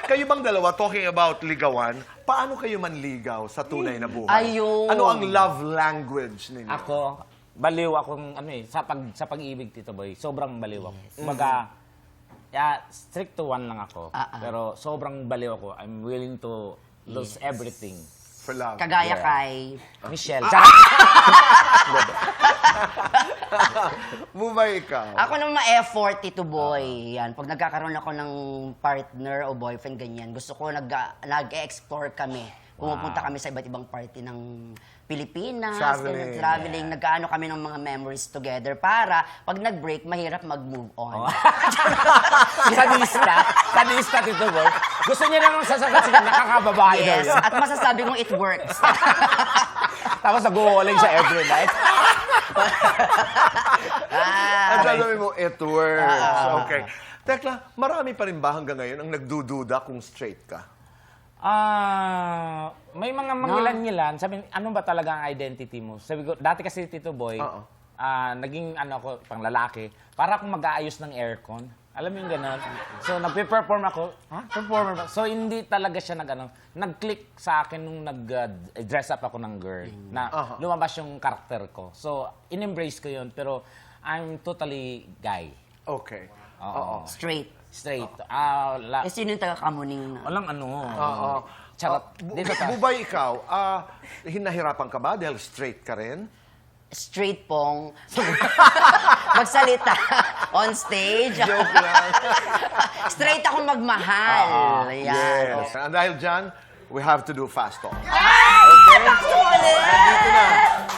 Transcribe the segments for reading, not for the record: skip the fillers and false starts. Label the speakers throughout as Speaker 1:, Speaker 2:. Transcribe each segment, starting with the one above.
Speaker 1: Kayo bang dalawa, talking about ligawan, paano kayo manligaw sa tunay na buhay?
Speaker 2: Ayun.
Speaker 1: Ano ang love language ninyo?
Speaker 3: Ako, baliw akong sa pag-ibig, Tito Boy. Sobrang baliw ako. Kumbaga, strict to one lang ako. Pero sobrang baliw ako. I'm willing to lose everything.
Speaker 1: For love.
Speaker 2: Kagaya kay...
Speaker 3: Michelle.
Speaker 1: Bubay ikaw.
Speaker 2: Ako naman ma-effort, Tito Boy. Yan. Pag nagkakaroon ako ng partner o boyfriend, ganyan, gusto ko nag-explore kami. Pumupunta kami sa iba't ibang party ng Pilipinas.
Speaker 1: Traveling.
Speaker 2: Traveling. Nag-ano kami ng mga memories together para pag nag-break, mahirap mag-move on.
Speaker 3: Sadista, Tito Boy. Gusto niya naman sasagot sila, nakakababae daw
Speaker 2: Yes.
Speaker 3: yun.
Speaker 2: At masasabi kong it works.
Speaker 3: Tapos nag-uuling siya every night.
Speaker 1: Ang sasabihin mo, it works. Okay. Tekla, marami pa rin ba hanggang ngayon ang nagdududa kung straight ka?
Speaker 3: May mga mangilan-ngilan. Sabi, ano ba talaga ang identity mo? Sabi ko, dati kasi Tito Boy, naging ako, pang lalaki, para akong mag-aayos ng aircon. Alam mo yung gano'n? So, nagpe-perform ako. Performer ba? So, hindi talaga siya nag-click sa akin nung nag-dress up ako ng girl. Na lumabas yung karakter ko. So, in-embrace ko yun. Pero, I'm totally guy.
Speaker 1: Okay.
Speaker 2: Straight.
Speaker 3: Straight.
Speaker 2: Sino yung taga-kamuning na?
Speaker 3: Walang ano. Charot.
Speaker 1: Bubay ikaw, hinahirapan ka ba dahil straight ka rin?
Speaker 2: Straight pong magsalita on stage.
Speaker 1: Joke lang.
Speaker 2: Straight ako magmahal. Yan.
Speaker 1: Yes. And dahil dyan, we have to do fast talk.
Speaker 2: Okay?
Speaker 1: Dito na.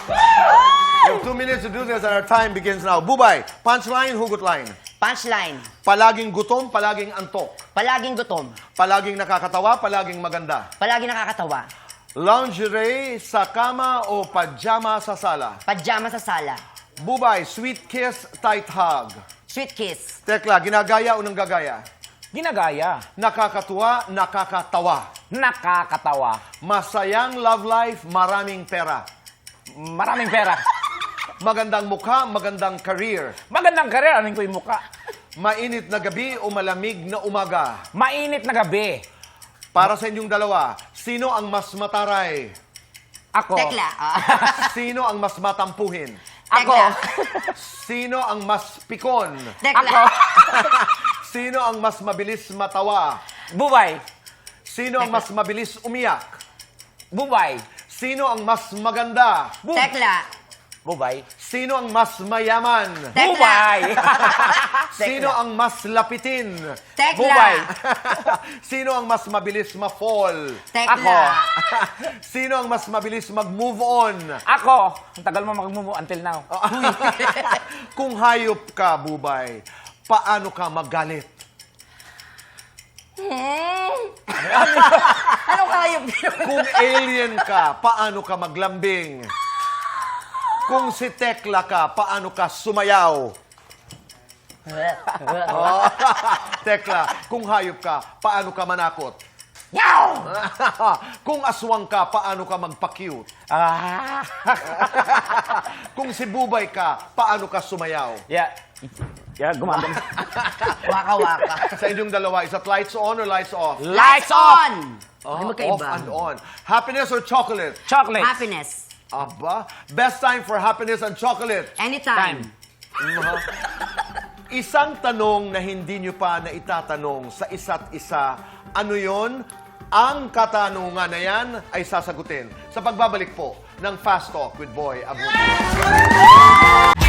Speaker 1: You have 2 minutes to do this and our time begins now. Bubay, punchline, hugot line.
Speaker 2: Punchline.
Speaker 1: Palaging gutom, palaging antok.
Speaker 2: Palaging gutom.
Speaker 1: Palaging nakakatawa, palaging maganda.
Speaker 2: Palaging nakakatawa.
Speaker 1: Lingerie sa kama o pajama sa sala.
Speaker 2: Pajama sa sala.
Speaker 1: Bubay, sweet kiss, tight hug.
Speaker 2: Sweet kiss.
Speaker 1: Tekla, ginagaya o nanggagaya?
Speaker 3: Ginagaya.
Speaker 1: Nakakatuwa, nakakatawa.
Speaker 3: Nakakatawa.
Speaker 1: Masayang love life, maraming pera.
Speaker 3: Maraming pera.
Speaker 1: Magandang mukha, magandang career.
Speaker 3: Magandang karir. Anong ko yung mukha?
Speaker 1: Mainit na gabi o malamig na umaga.
Speaker 3: Mainit na gabi.
Speaker 1: Para sa inyong dalawa, sino ang mas mataray?
Speaker 3: Ako.
Speaker 2: Tekla.
Speaker 1: Sino ang mas matampuhin?
Speaker 3: Ako.
Speaker 2: Tekla.
Speaker 1: Sino ang mas pikon?
Speaker 2: Tekla.
Speaker 3: Ako.
Speaker 1: Sino ang mas mabilis matawa?
Speaker 3: Bubay.
Speaker 1: Sino ang mas mabilis umiyak?
Speaker 3: Bubay.
Speaker 1: Sino ang mas maganda?
Speaker 2: Tekla.
Speaker 3: Bubay.
Speaker 1: Sino ang mas mayaman?
Speaker 2: Tekla.
Speaker 3: Bubay.
Speaker 1: Sino ang mas lapitin?
Speaker 2: Tekla.
Speaker 3: Bubay.
Speaker 1: Sino ang mas mabilis ma-fall?
Speaker 2: Tekla.
Speaker 3: Ako.
Speaker 1: Sino ang mas mabilis mag-move on?
Speaker 3: Ako. Ang tagal mo mag-move until now.
Speaker 1: Kung hayop ka, Bubay, paano ka magalit?
Speaker 2: Anong hayop yun?
Speaker 1: Kung alien ka, paano ka maglambing? Kung si Tekla ka, paano ka sumayaw? Tekla, kung hayop ka, paano ka manakot?
Speaker 2: Yaw!
Speaker 1: Kung aswang ka, paano ka magpa-cute? Kung si Bubay ka, paano ka sumayaw?
Speaker 3: Yeah, gumagano.
Speaker 2: Waka-waka.
Speaker 1: Sa inyong dalawa, is that lights on or lights off?
Speaker 3: Lights on!
Speaker 2: Ano
Speaker 1: Off
Speaker 2: magkaiba?
Speaker 1: and on. Happiness or chocolate?
Speaker 3: Chocolate.
Speaker 2: Happiness.
Speaker 1: Aba, best time for happiness and chocolate.
Speaker 2: Anytime.
Speaker 1: Isang tanong na hindi nyo pa na itatanong sa isa't isa, ano yon? Ang katanungan na yan ay sasagutin sa pagbabalik po ng Fast Talk with Boy Abunda.